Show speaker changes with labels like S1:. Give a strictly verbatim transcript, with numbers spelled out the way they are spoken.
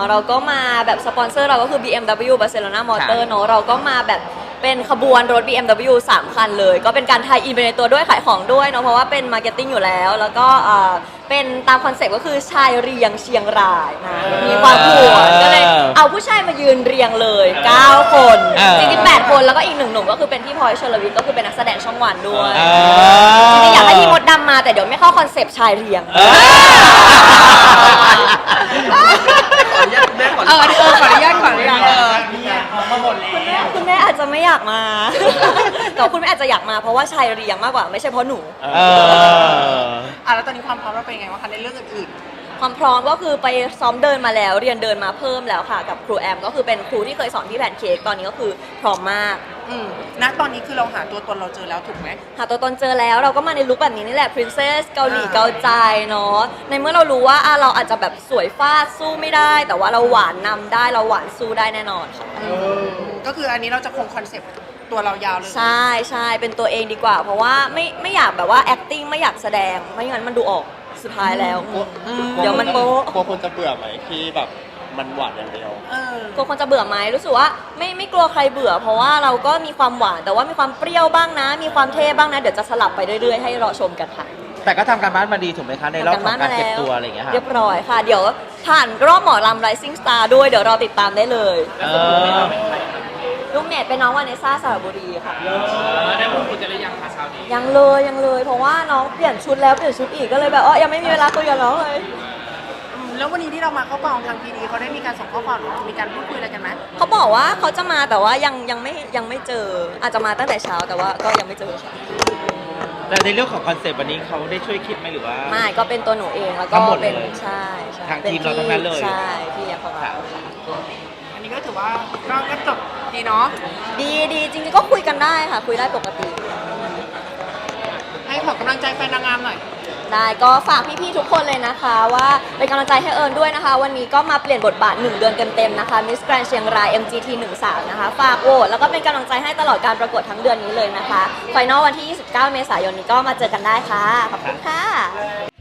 S1: เราก็มาแบบสปอนเซอร์เราก็คือ บี เอ็ม ดับเบิลยู Barcelona Motor เนาะเราก็มาแบบเป็นขบวนรถ บี เอ็ม ดับเบิลยู สามคันเลยก็เป็นการไทยอินไปในตัวด้วยขายของด้วยเนาะเพราะว่าเป็นมาร์เก็ตติ้งอยู่แล้วแล้วก็เป็นตามคอนเซ็ปต์ก็คือชายเรียงเชียงรายนะมีความผวนก็เลยเอาผู้ชายมายืนเรียงเลยเก้าคนจริงๆแปดคนแล้วก็อีกหนึ่งหนุ่มก็คือเป็นพี่พลอยชลวิทย์ก็คือเป็นนักแสดงช่องวันด้วยจริงๆอยากให้พี่มดดำมาแต่เดี๋ยวไม่เข้าคอนเซ็ปต์ชายเรียง
S2: เออเออขออนุญาตขออนุญาตเออมาหมดแล้ว
S1: คุณแม่อาจจะไม่อยากมา แต่คุณแม่อาจจะอยากมาเพราะว่าชายเรียงมากกว่าไม่ใช่เพราะหนู
S3: เออ
S2: อ่ะแล้วตอนนี้ความพร้อมเราเป็นยังไงบ้างคะในเรื่องอื่น
S1: ความพร้อมก็คือไปซ้อมเดินมาแล้วเรียนเดินมาเพิ่มแล้วค่ะกับครูแอมก็คือเป็นครูที่เคยสอนที่แพนเค้กตอนนี้ก็คือพร้อมมาก
S2: อืมณตอนนี้คือเราหาตัวตนเราเจอแล้วถูกไหม
S1: หาตัวตนเจอแล้วเราก็มาในลุคแบบนี้นี่แหละ princess เกาหลีเกาใจเนาะในเมื่อเรารู้ว่าเราอาจจะแบบสวยฟาดสู้ไม่ได้แต่ว่าเราหวานนำได้เราหวานสู้ได้แน่นอนค่ะ
S2: ก็คืออันนี้เราจะคงคอนเซ็ปต์ตัวเรายาวเลย
S1: ใช่ใช่เป็นตัวเองดีกว่าเพราะว่าไม่ไม่อยากแบบว่า acting ไม่อยากแสดงไม่งั้นมันดูออกสุดท้ายแล้วเดี๋ยวมันโป๊ะ
S3: กลัวคนจะเบื่อไหมที่แบบมันหวานอย่างเดียว
S1: กลัวคนจะเบื่อไหมรู้สึกว่าไม่ไม่กลัวใครเบื่อเพราะว่าเราก็มีความหวานแต่ว่ามีความเปรี้ยวบ้างนะมีความเท่บ้างนะเดี๋ยวจะสลับไปเรื่อยๆให้รอชมกันค่ะ
S3: แต่ก็ทำการบ้านมาดีถูกไหมคะในรอบของการเก็บตัวอะไรอย่างเงี้ยค่ะ
S1: เรียบร้อยค่ะเดี๋ยวผ่านรอบหมอลำ Rising Star ด้วยเดี๋ยวรอติดตามได้เลยลูกเมดเป็นน้องวาเนซ่าสระบุรีค่ะ
S4: ได้พูดคุยกันหรือยังคะเช้านี้
S1: ยังเลยยังเลยเพราะว่าน้องเปลี่ยนชุดแล้วเปลี่ยนชุดอีกก็เลยแบบอ๋อยังไม่มีเวลาคุยกับน้องเลย
S2: แล้ววันนี้ที่เรามาเข้ากองทางพีดีเขาได้มีการส่งข้อความหรือมีการพูดคุยอะไรกันไหม
S1: เขาบอกว่าเขาจะมาแต่ว่ายังยังไม่ยังไม่เจออาจจะมาตั้งแต่เช้าแต่ว่าก็ยังไม่เจอค่ะ
S3: แต่ในเรื่องของคอนเซปต์วันนี้เขาได้ช่วยคิดไหมหรือว่า
S1: ไม่ก็เป็นตัวหนูเองแล้วก็เป็นใช่ใช่
S3: ทางทีมเราทั้งนั้นเลย
S1: ใช่พี่ยังของเรา
S2: อันนี้ก็ถือว่าก็จบดีเนาะ
S1: ดีดีจริงๆก็คุยกันได้ค่ะคุยได้ปกติ
S2: ให้ขอกำลังใจแฟนนางงามหน่อย
S1: ได้ก็ฝากพี่ๆทุกคนเลยนะคะว่าเป็นกำลังใจให้เอิญด้วยนะคะวันนี้ก็มาเปลี่ยนบทบาทหนึ่งเดือนเต็มๆนะคะ Miss Grand เชียงราย เอ็ม จี ที สิบสามนะคะฝากโหวตแล้วก็เป็นกำลังใจให้ตลอดการประกวดทั้งเดือนนี้เลยนะคะไฟนอลวันที่ยี่สิบเก้าเมษายนนี้ก็มาเจอกันได้ค่ะขอบคุณค่ะ